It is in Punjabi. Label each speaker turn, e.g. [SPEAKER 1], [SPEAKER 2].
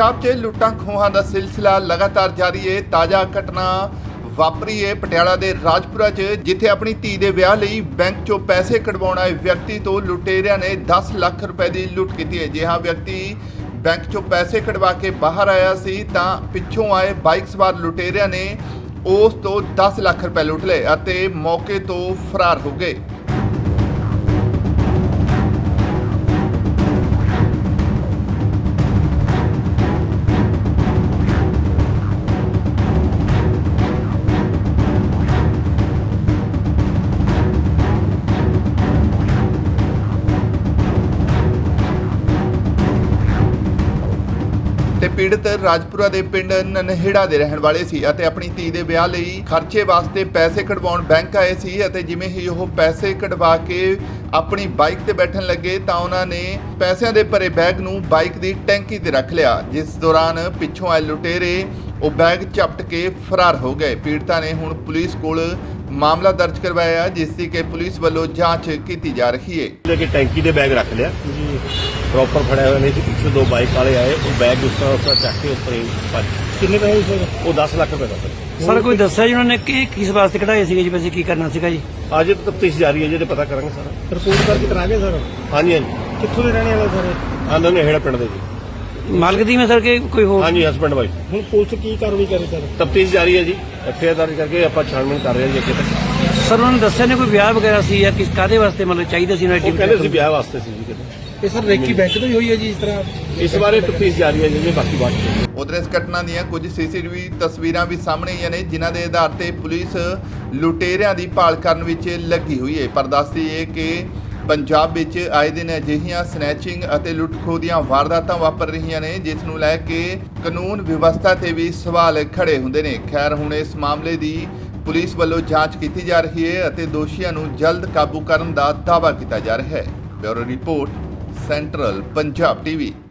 [SPEAKER 1] पंजाब 'ਚ लुट्टां ਖੋਹਾਂ ਦਾ सिलसिला लगातार जारी है। ताज़ा घटना वापरी है पटियाला ਦੇ ਰਾਜਪੁਰਾ 'ਚ, ਜਿੱਥੇ ਆਪਣੀ ਧੀ ਦੇ ਵਿਆਹ ਲਈ ਬੈਂਕ 'ਚੋਂ ਪੈਸੇ ਕਢਵਾਉਣ ਆਏ ਵਿਅਕਤੀ ਤੋਂ ਲੁਟੇਰਿਆਂ ਨੇ 10 ਲੱਖ ਰੁਪਏ ਦੀ ਲੁੱਟ ਕੀਤੀ ਹੈ। ਜੇ ਹਾਂ ਵਿਅਕਤੀ ਬੈਂਕ 'ਚੋਂ ਪੈਸੇ ਕਢਵਾ ਕੇ ਬਾਹਰ ਆਇਆ ਸੀ ਤਾਂ ਪਿੱਛੋਂ ਆਏ ਬਾਈਕ ਸਵਾਰ ਲੁਟੇਰਿਆਂ ਨੇ ਉਸ ਤੋਂ 10 ਲੱਖ ਰੁਪਏ ਲੁੱਟ ਲਏ ਅਤੇ ਮੌਕੇ ਤੋਂ ਫਰਾਰ ਹੋ ਗਏ। ਤੇ ਪੀੜਤ ਰਾਜਪੁਰਾ ਦੇ ਪਿੰਡ ਨਨਹੇੜਾ ਦੇ ਰਹਿਣ ਵਾਲੇ ਸੀ ਅਤੇ ਆਪਣੀ ਧੀ ਦੇ ਵਿਆਹ ਲਈ ਖਰਚੇ ਵਾਸਤੇ ਪੈਸੇ ਕਢਵਾਉਣ ਬੈਂਕ ਆਏ ਸੀ ਅਤੇ ਜਿਵੇਂ ਹੀ ਉਹ ਪੈਸੇ ਕਢਵਾ ਕੇ ਆਪਣੀ ਬਾਈਕ ਤੇ ਬੈਠਣ ਲੱਗੇ ਤਾਂ ਉਹਨਾਂ ਨੇ ਪੈਸਿਆਂ ਦੇ ਭਰੇ ਬੈਗ ਨੂੰ ਬਾਈਕ ਦੀ ਟੈਂਕੀ ਤੇ ਰੱਖ ਲਿਆ, ਜਿਸ ਦੌਰਾਨ ਪਿੱਛੋਂ ਆਏ ਲੁਟੇਰੇ ਉਹ ਬੈਗ ਝਪਟ ਕੇ ਫਰਾਰ ਹੋ ਗਏ। ਪੀੜਤਾ ਨੇ ਹੁਣ ਪੁਲਿਸ ਕੋਲ ਮਾਮਲਾ ਦਰਜ ਕਰਵਾਇਆ, ਜਿਸ ਦੀ ਕਿ ਪੁਲਿਸ ਵੱਲੋਂ ਜਾਂਚ ਕੀਤੀ ਜਾ ਰਹੀ ਹੈ।
[SPEAKER 2] लेके टैंकी दे बैग रख लिया जी, प्रॉपर फड़े हुए नहीं सी। पीछे दो बाइक वाले आए, वो बैग उस तरह चक के ऊपर ही
[SPEAKER 3] कितने पैसे सर?
[SPEAKER 2] वो 10 लाख रुपए का
[SPEAKER 3] सर कोई दस्या जी उन्होंने कि किस वास्ते कढ़ाए सीगे जी, पैसे की करना सीगा जी?
[SPEAKER 2] आज तफ्तीश जारी है जी, पता करेंगे सारा।
[SPEAKER 3] रिपोर्ट करके करा गए सर?
[SPEAKER 2] हाँ जी, हाँ जी,
[SPEAKER 3] कित्थों दे रहने वाले सर?
[SPEAKER 2] हाँ दोनों हेड़ा पिंड दे जी।
[SPEAKER 3] मालक दी में सर के कोई हो?
[SPEAKER 2] हाँ जी, हस्बैंड वाइफ।
[SPEAKER 3] हुण पुलिस की कार्रवाई करे सर?
[SPEAKER 2] तफ्तीश जारी है जी, एफआईआर दर्ज करके आप छानबीन कर रहे हैं जी अगे तक।
[SPEAKER 3] सर उन्होंने दस्या ने कोई ब्याह वगैरह सी या किस कादे वास्ते मतलब चाहिए सी?
[SPEAKER 2] वो कहते सी ब्याह वास्ते सी जी कहते।
[SPEAKER 3] ये सर रेकी बैंक तो ही हुई है जी इस तरह?
[SPEAKER 2] इस बारे तफ्तीश जारी है जी, बाकी बात
[SPEAKER 1] ਉਧਰ ਇਸ ਘਟਨਾ ਦੀਆਂ ਕੁਝ ਸੀਸੀਟੀਵੀ ਤਸਵੀਰਾਂ ਵੀ ਸਾਹਮਣੇ ਆਈਆਂ ਨੇ, ਜਿਨ੍ਹਾਂ ਦੇ ਆਧਾਰ ਤੇ ਪੁਲਿਸ ਲੁਟੇਰਿਆਂ ਦੀ ਭਾਲ ਕਰਨ ਵਿੱਚ ਲੱਗੀ ਹੋਈ ਹੈ। ਪਰ ਦੱਸਦੀ ਹੈ ਕਿ ਪੰਜਾਬ ਵਿੱਚ ਆਏ ਦਿਨ ਅਜਿਹੀਆਂ ਸਨੈਚਿੰਗ ਅਤੇ ਲੁੱਟ-ਖੋਹ ਦੀਆਂ ਵਾਰਦਾਤਾਂ ਵਾਪਰ ਰਹੀਆਂ ਨੇ, ਜਿਸ ਨੂੰ ਲੈ ਕੇ ਕਾਨੂੰਨ ਵਿਵਸਥਾ ਤੇ ਵੀ ਸਵਾਲ ਖੜੇ ਹੁੰਦੇ ਨੇ। ਖੈਰ ਹੁਣ ਇਸ ਮਾਮਲੇ ਦੀ ਪੁਲਿਸ ਵੱਲੋਂ ਜਾਂਚ ਕੀਤੀ ਜਾ ਰਹੀ ਹੈ ਅਤੇ ਦੋਸ਼ੀਆਂ ਨੂੰ ਜਲਦ ਕਾਬੂ ਕਰਨ ਦਾ ਦਾਅਵਾ ਕੀਤਾ ਜਾ ਰਿਹਾ ਹੈ। Bureau report, central Punjab TV.